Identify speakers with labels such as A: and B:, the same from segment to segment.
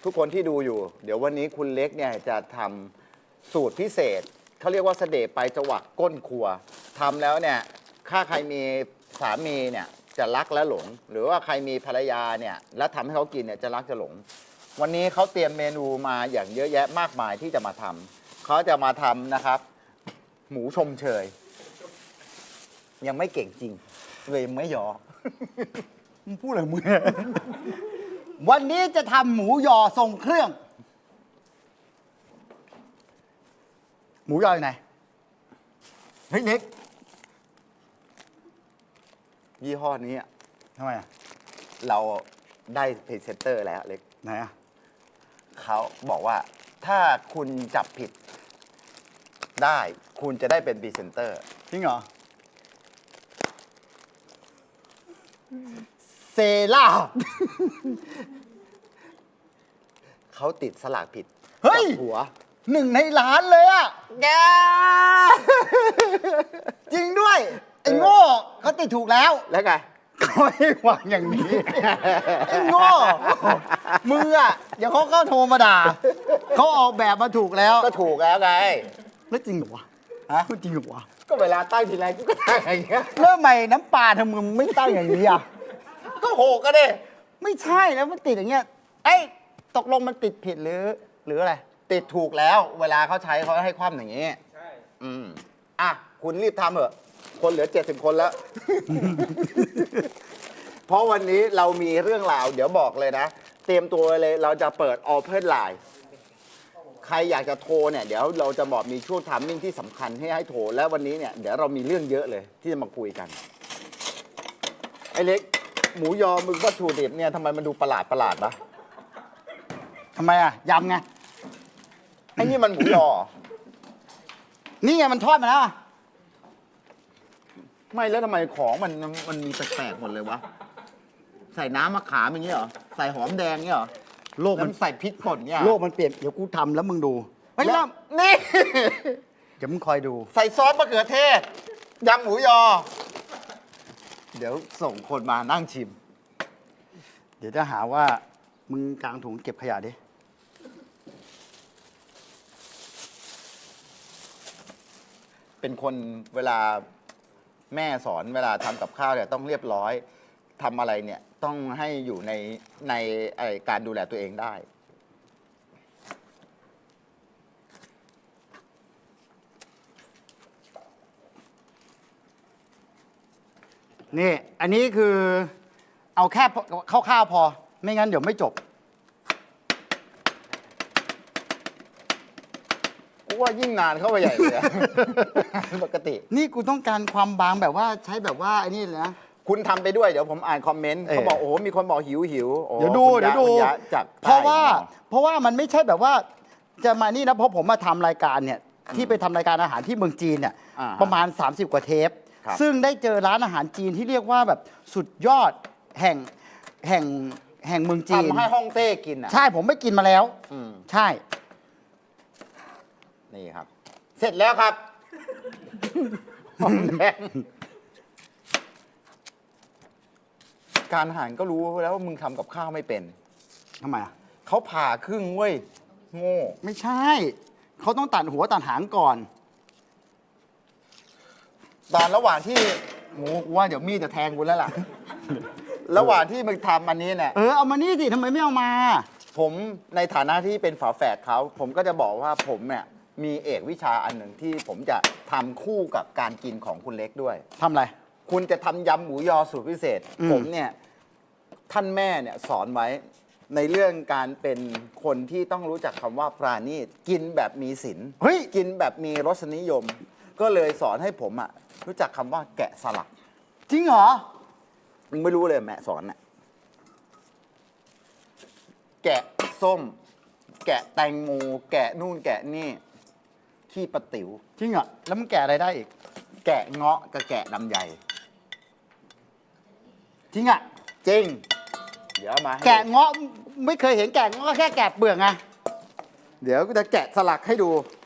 A: ทุกคนที่ดูอยู่ เดี๋ยววันนี้คุณเล็กเนี่ยจะทำสูตรพิเศษเขาเรียกว่าเสด็จไปจวักก้นครัวทำแล้วเนี่ยถ้าใครมีสามีเนี่ยจะรักและหลง หรือว่าใครมีภรรยาเนี่ยแล้วทำให้เขากินเนี่ยจะรักจะหลง วันนี้เขาเตรียมเมนูมาอย่างเยอะแยะมากมายที่จะมาทำเขาจะมาทำนะครับ หมูชมเชย ยังไม่เก่งจริงเลยไม่ยอ
B: มึงพูดอะไรมึง วันนี้จะทำหมูยอทรงเครื่อง หมูยออยู่ไหน
A: เฮ้ยเล็กยี่ห้อนี้อะ
B: ทำไมอ่ะ
A: เราได้พรีเซนเตอร์แล้วเล็ก
B: ไหนอ่ะ
A: เขาบอกว่าถ้าคุณจับผิดได้คุณจะได้เป็นพรีเซนเตอร์
B: จริงเหรอ เซล่า
A: เขาติดสลากผิด
B: เฮ้ย
A: กับหัว
B: หนึ่งในล้านเลยอ่ะ
A: แก
B: จริงด้วย ไอ้โง่เขาติดถูกแล้ว
A: แล้วไง
B: เขาให้วางอย่างนี้ ไอ้โง่มึงอ่ะเดี๋ยวเขาก็โทรมาด่า เขาออกแบบมาถูกแล้ว
A: ก็ถูกแล้วไง
B: แล้วจริงเหรอวะ
A: ฮะ
B: จริงเหรอวะ
A: ก็เวลาตั้งทีไรกูก็ตั้งอย่างเงี้ย
B: เริ่มใหม่น้ำปลาทำมึงไม่ตั้งอย่างนี้อ่ะ
A: ก็โหก็ได้
B: ไม่ใช่แล้วมันติดอย่างเงี้ยเอ้ยตกลงมันติดผิดหรืออะไร
A: ติดถูกแล้ว เวลาเขาใช้เขาให้คว่ำอย่างนี้ ใช่ อ่ะ คุณรีบทำเถอะ คนเหลือ 70 คนแล้ว เพราะวันนี้เรามีเรื่องราว เดี๋ยวบอกเลยนะ เตรียมตัวเลย เราจะเปิด Open Line ใครอยากจะโทรเนี่ย เดี๋ยวเราจะบอกมีช่วงไทามมิ่งที่สำคัญให้โทร และวันนี้เนี่ย เดี๋ยวเรามีเรื่องเยอะเลย ที่จะมาคุยกัน ไอ้เล็ก หมูยอมึงวัตถุดิบเนี่ยทำไมมันดูประหลาดปะ
B: ทำไมอ่ะยำไง
A: ไอ้นี่มันหมูยอเหรอ
B: นี่ไงมันทอดมาแล้วอะ
A: ไม่แล้วทำไมของมันมีแปลกๆหมดเลยวะ ใส่น้ำมะขามอย่างเงี้ยเหรอ ใส่หอมแดงเงี้ยเหรอ
B: โลกมัน
A: แล้วใส่พริกป่นเงี้ย
B: โลกมันเปลี่ยนเดี๋ยวกูทำแล้วมึงดูเฮ้ย
A: แล้
B: แล้ว
A: วนี่
B: เดี๋ยวมึงคอยดู
A: ใส่ซอสมะเขือเทศยำหมูยอ เดี๋ยวส่งคนมานั่งชิม
B: เดี๋ยวจะหาว่ามึงกลางถุงเก็บขยะดิ
A: เป็นคนเวลาแม่สอนเวลาทำกับข้าวเนี่ยต้องเรียบร้อยทำอะไรเนี่ยต้องให้อยู่ในการดูแลตัวเองได้
B: นี่อันนี้คือเอาแค่คร่าวๆพอ ไม่งั้นเดี๋ยวไม่จบ
A: กูว่ายิ่งนานเข้าไปใหญ่เลยอะ ปกติ
B: นี่กูต้องการความบางแบบว่าใช้แบบว่าไอ้นี่เลยนะ
A: คุณทำไปด้วยเดี๋ยวผมอ่านคอมเมนต์
B: เออ
A: เขาบอกโอ้โหมีคนบอกหิวโอ้
B: เดี๋ยวดู
A: คุณ
B: เดี๋ยวดู
A: คุณะจาก
B: เพราะว่า
A: ใต้
B: เพราะว่ามันไม่ใช่แบบว่าจะมานี่นะเพราะผมมาทำรายการเนี่ยที่ไปทำรายการอาหารที่เมืองจีนเนี่ย
A: อ่าฮะ
B: ประมาณ 30 กว่าเทป
A: ครับ
B: ซึ่งได้เจอร้านอาหารจีนที่เรียกว่าแบบสุดยอดแห่งเมืองจีน
A: ทำให้ฮ่องเต้กินอ่ะ
B: ใช่ผมไม่กินมาแล้ว
A: อืม
B: ใช่
A: นี่ครับ เสร็จแล้วครับหอมแดงการอาหารก็รู้แล้วว่ามึงทำกับข้าวไม่เป็น
B: ทำไมอ่ะ
A: เขาผ่าครึ่งเว้ยโง่
B: ไม่ใช่ เขาต้องตัดหัวตัดหางก่อน
A: ตอนระหว่างที่หมูกูว่าเดี๋ยวมีดจะแทงกูแล้วล่ะ ระหว่างที่มึงทำอันนี้เนี่ย
B: เอามานี่สิทำไมไม่เอามา
A: ผมในฐานะที่เป็นฝาแฝดเขาผมก็จะบอกว่าผมเนี่ยมีเอกวิชาอันหนึ่งที่ผมจะทำคู่กับการกินของคุณเล็กด้วย
B: ทำอะไร
A: คุณจะทำยำหมูยอสูตรพิเศษ
B: อืม
A: ผมเนี่ยท่านแม่เนี่ยสอนไว้ในเรื่องการเป็นคนที่ต้องรู้จักคำว่าปราณีตกินแบบมีศีล
B: เฮ้ย
A: กินแบบมีรสนิยม ก็เลยสอนให้ผมอะรู้จักคำว่าแกะสลัก
B: จริงเหรอ
A: มึงไม่รู้เลยแม่สอนน่ะแกะส้ม แกะแตงโมแกะนู่นแกะนี่ขี้ปะติ๋ว
B: จริงเหรอแล้วมึงแกะอะไรได้อีก
A: แกะเงาะกับแกะลำไย
B: จริงอ่ะ
A: จริง เดี๋ยวเอามาให้
B: แกะเงาะไม่เคยเห็นแกะเงาะก็แค่แกะเปลือกไง
A: เดี๋ยวกูจะแกะสลักให้ดู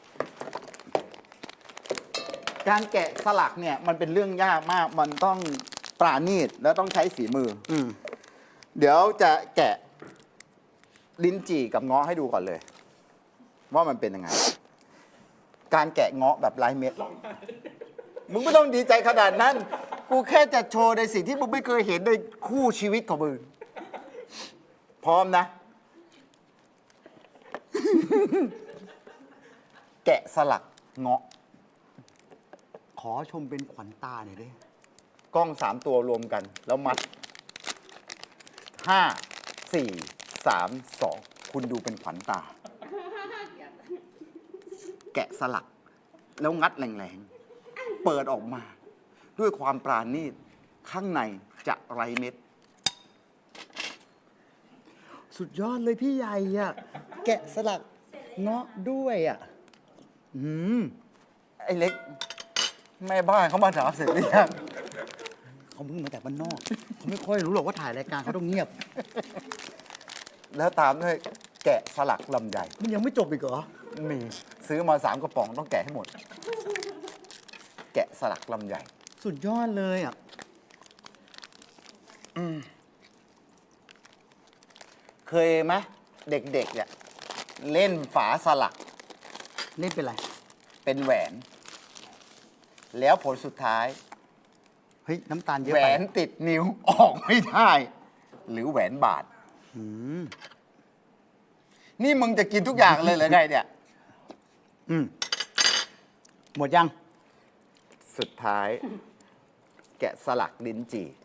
A: การแกะสลักเนี่ยมันเป็นเรื่องยากมาก มันต้องปราณีตแล้วต้องใช้ฝีมือ
B: อืม
A: เดี๋ยวจะแกะลิ้นจี่กับเงาะให้ดูก่อนเลย ว่ามันเป็นยังไง การแกะเงาะแบบไร้เม็ด มึงไม่ต้องดีใจขนาดนั้น กูแค่จะโชว์ในสิ่งที่มึงไม่เคยเห็นในคู่ชีวิตของมึง พร้อมนะ แกะสลักเงาะ
B: ขอชมเป็นขวัญตาหน่อยดิ
A: กล้อง3 ตัวรวมกัน แล้วมัด 5 4 3 2 คุณดูเป็นขวัญตา แกะสลัก แล้วงัดแรงๆ เปิดออกมา ด้วยความปราณีตข้างในจะไรเม็ด
B: สุดยอดเลยพี่ใหญ่อะแกะสลักเงาะด้วยอะ
A: ไอ้เล็ก แม่บ้านเขามาถามเสร็จหรือยัง
B: เขาเพิ่งมาจากบ้านนอก เขาไม่ค่อยรู้หรอกว่าถ่ายรายการเขาต้องเงียบ
A: แล้วตามด้วยแกะสลักลำไย
B: มันยังไม่จบอีกเหรอ
A: มีซื้อมา3 กระป๋องต้องแกะให้หมด แกะสลักลำไย
B: สุดยอดเลยอะ
A: เคยไหมเด็กๆเนี่ยเล่นฝาสลัก
B: เล่นเป็นไร
A: เป็นแหวน แล้วผลสุดท้าย
B: เฮ้ย น้ำตาลเยอะ
A: แหว
B: ไป
A: นติดนิ้วออกไม่ได้ หรือแหวนบาด
B: อืม
A: นี่มึงจะกินทุกอย่างเลยเหรอไงเนี่ย
B: อืมหมดยัง
A: สุดท้าย แกะสลักลิ้นจี่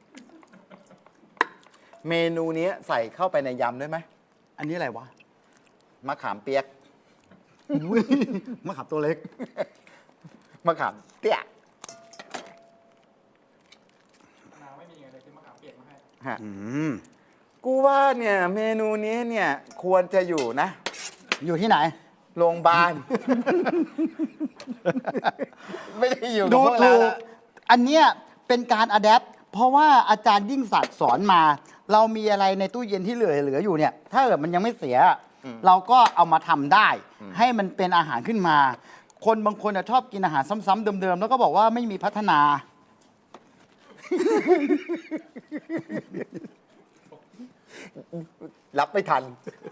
A: เมนูนี้ใส่เข้าไปในยำได้ไหม
B: อันนี้อะไรวะ
A: มะขามเปียก
B: อุ๊ยมะขามตัวเล็ก
A: มะขามเตี้ย
C: มะนาวไม่มีไงเลยซื้อมะขามเปียกมาให้
A: ฮะ
B: อืม
A: กูว่าเนี่ยเมนูนี้เนี่ยควรจะอยู่นะ
B: อยู่ที่ไหน
A: โรงพยาบาล ไม่ได้อยู่กับ
B: ดู
A: พวกเรา
B: ถูก
A: แล้ว
B: อันเนี้ยเป็นการอะแดปเพราะว่าอาจารย์ยิ่งศักดิ์สอนมา เรามีอะไรในตู้เย็นที่เหลืออยู่เนี่ย ถ้าเกิดมันยังไม่เสีย เราก็เอามาทำได้ ให้มันเป็นอาหารขึ้นมา คนบางคนชอบกินอาหารซ้ำๆเดิมๆแล้วก็บอกว่าไม่มีพัฒนา
A: รับไม่ทัน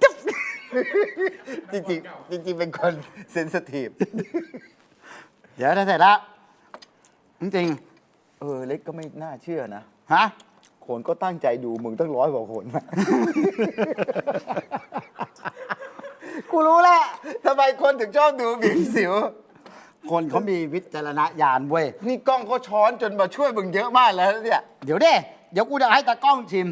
A: จริงๆจริงๆเป็นคนเซนซิทีฟ
B: เดี๋ยวถ้าเสร็จแล้วจริง
A: เล็กก็ไม่น่าเชื่อนะ
B: ๆฮะ
A: คนก็ตั้งใจดูมึงตั้ง100 กว่าคน กูรู้แล้วทำไมคนถึงชอบดูบีมสิว
B: คนเขามีวิจารณญาณเว้ย
A: นี่กล้องเขาช้อนจนมาช่วยมึงเยอะมากแล้วเนี่ย
B: เดี๋ยวกูจะให้ตากล้องชิม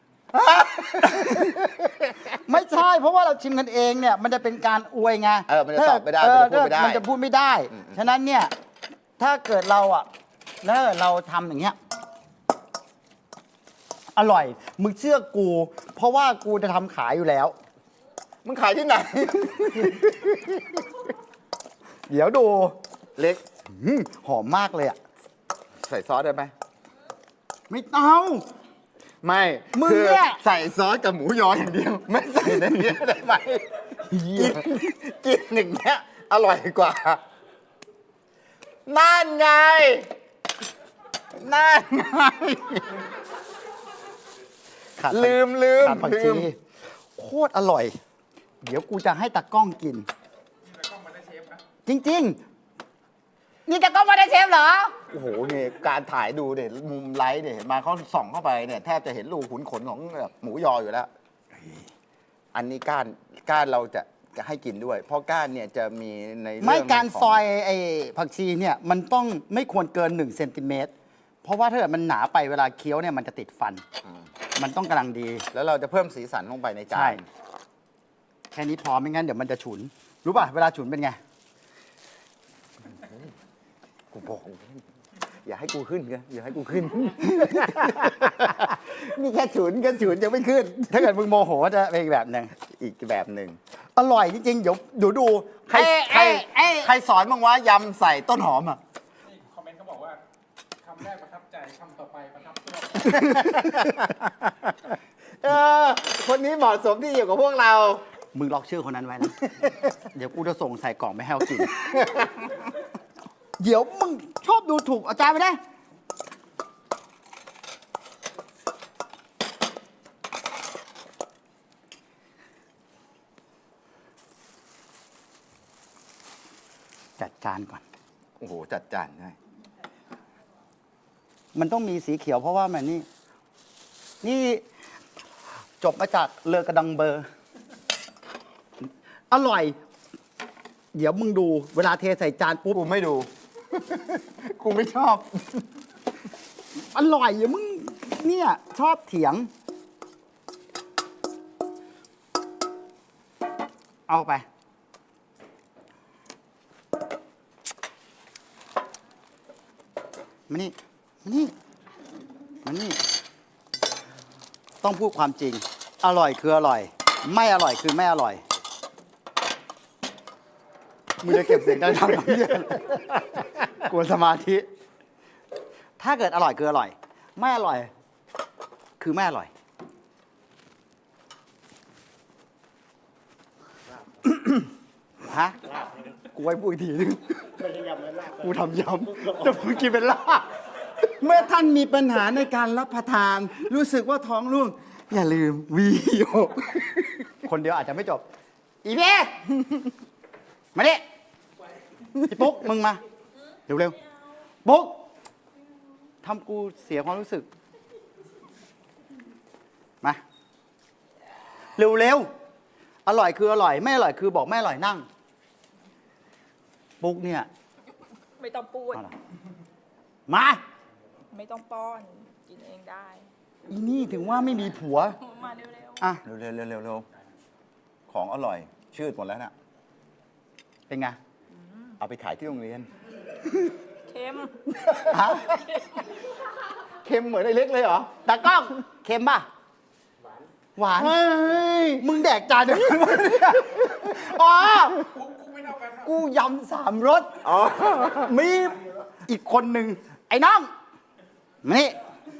B: ไม่ใช่ เพราะว่าเราชิมกันเองเนี่ย มันจะเป็นการอวยไง
A: มันจะตอบไม่ได้มันจะพูดไม่ได้
B: มันจะพูดไม่ได้ ฉะนั้นเนี่ย ถ้าเกิดเราแล้วเราทำอย่างเงี้ย อร่อย มึงเชื่อกู เพราะว่ากูจะทำขายอยู่แล้ว
A: มึงขายที่ไหน
B: เดี๋ยวดู
A: เล็ก
B: หอมมากเลยอ่ะ
A: ใส่ซอสได้ไหม
B: ไม่เอา
A: ไม่
B: มึง
A: คือ
B: เนี่ย
A: ใส่ซอสกับหมูยออย่างเดียว ไม่ใส่ในนี้ได้ไหมกินอย่างเงี้ยอร่อยกว่านั่นไงนั่นไง
B: ขาด
A: ลืม
B: ขาดผักชีโคตรอร่อย เดี๋ยวกูจะให้ตากล้องกิน
C: นี่แล้วก็มาได้เชฟนะ
B: จริง ๆ นี่ตากล้องมาได้เชฟเหรอ
A: โอ้โหเนี่ยการถ่ายดูเนี่ยมุมไลท์เนี่ยเห็นมาเขาส่องเข้าไปเนี่ยแทบจะเห็นรูขุนขนของแบบหมูยออยู่แล้ว อันนี้ก้านเราจะให้กินด้วย เพราะก้านเนี่ยจะมีในเรื่อง
B: ไม่การ
A: ของ
B: ซอยไอ้ผักชีเนี่ยมันต้องไม่ควรเกิน1 เซนติเมตร เพราะว่าถ้าเกิดมันหนาไปเวลาเคี้ยวเนี่ยมันจะติดฟัน มันต้องกำลังดี
A: แล้วเราจะเพิ่มสีสันลงไปในจา
B: ใช่
A: น
B: แค่นี้พอไม่งั้นเดี๋ยวมันจะฉุน รู้ป่ะ เวลาฉุนเป็นไง
A: กูบอกอย่าให้กูขึ้นกันอย่าให้กูขึ้น นี่แค่ฉุนยังไม่ขึ้น
B: ถ้าเกิดมึงโมโหจะเป็นอีกแบบหนึ่ง
A: อีกแบบหนึ่ง
B: อร่อยจริงๆ เดี๋ยวดู
A: ใครสอนบ้างวะยำใส่ต้นหอมอ่ะ
C: นี่คอมเมนต์เขาบอกว่าคำแรกประทับใจคำต่อไปประทับตัว
A: คนนี้เหมาะสมที่อยู่กับพวกเรา
B: มึงล็อกชื่อคนนั้นไว้นะ เดี๋ยวกูจะส่งใส่กล่องไม่ให้เขากิน เดี๋ยวมึงชอบดูถูกอาจารย์ไปได้จัดจานก่อน
A: โอ้โห จัดจานได้
B: มันต้องมีสีเขียวเพราะว่ามันนี่จบมาจากเลอกระดังเบอร์ อร่อย เดี๋ยวมึงดู เวลาเทใส่จานปุ๊บ
A: กูไม่ดู กูไม่ชอบ
B: อร่อยอย่ามึงเนี่ย ชอบเถียง เอาไป มานี่มานี่มานี่ ต้องพูดความจริง อร่อยคืออร่อย ไม่อร่อยคือไม่อร่อย มึงจะเก็บเสียงดังๆกับเพื่อนกวนสมาธิ ถ้าเกิดอร่อยคืออร่อย ไม่อร่อย คือไม่อร่อย ฮะ กูไว้พูดอีกทีนึงกูทำยำแต่ผมกินเป็นลาบเมื่อท่านมีปัญหาในการรับประทาน รู้สึกว่าท้องร่วง อย่าลืมวีโอคนเดียวอาจจะไม่จบ อีเพ่มาดิพี่ปุ๊กมึงมา เร็วๆปุ๊กทำกูเสียความรู้สึก มา เร็วๆ อร่อยคืออร่อย ไม่อร่อยคือบอกไม่อร่อยนั่ง ปุ๊กเนี่ย
D: ไม่ต้องพูด
B: เอาล่ะมา
D: ไม่ต้องป้อน กินเองได้
B: อีนี่ถึงว่าไม่มีผัว
D: มาเร็ว
B: อ่ะ
A: เร็วๆของอร่อย ชืดหมดแล้วน่ะ
B: เป็นไง
A: เอาไปขายที่โรงเรียน
D: ๆ เค็ม
B: ฮะ
A: เค็มเหมือนไอ้เล็กเลยเหรอ
B: ตากล้อง เค็มป่ะ หวาน
A: เฮ้ย
B: มึงแดกจานเดียวกันวะเนี่ยอ๋อ
C: คุกไม่เท่ากันนะ
B: กูยำ3 รส
A: อ๋อ
B: มีอีกคนหนึ่ง ไอ้น้องมานี่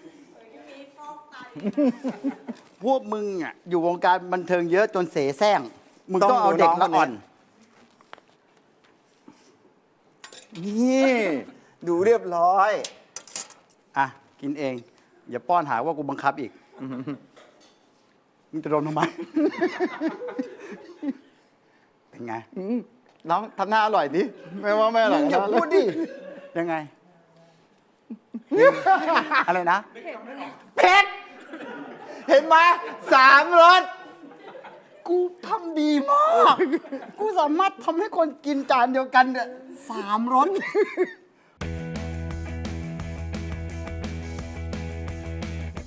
B: พวกมึงอ่ะอยู่วงการบันเทิงเยอะจนเสแสร้ง มึงต้องเอาเด็กละอ่อน
A: นี่ ดูเรียบร้อย
B: อ่ะ กินเอง อย่าป้อนหาว่ากูบังคับอีก มึงจะโดนทำไม เป็นไง
A: น้องทำหน้าอร่อยดิไม่ว่าไม่อร่อย
B: มึงอย่าพูดดิ ยังไง อะไรนะ
A: เผ็ด เห็นไหม3 รส
B: กูทำดีมาก กูสามารถทำให้คนกินจานเดียวกันเนี่ย3 รส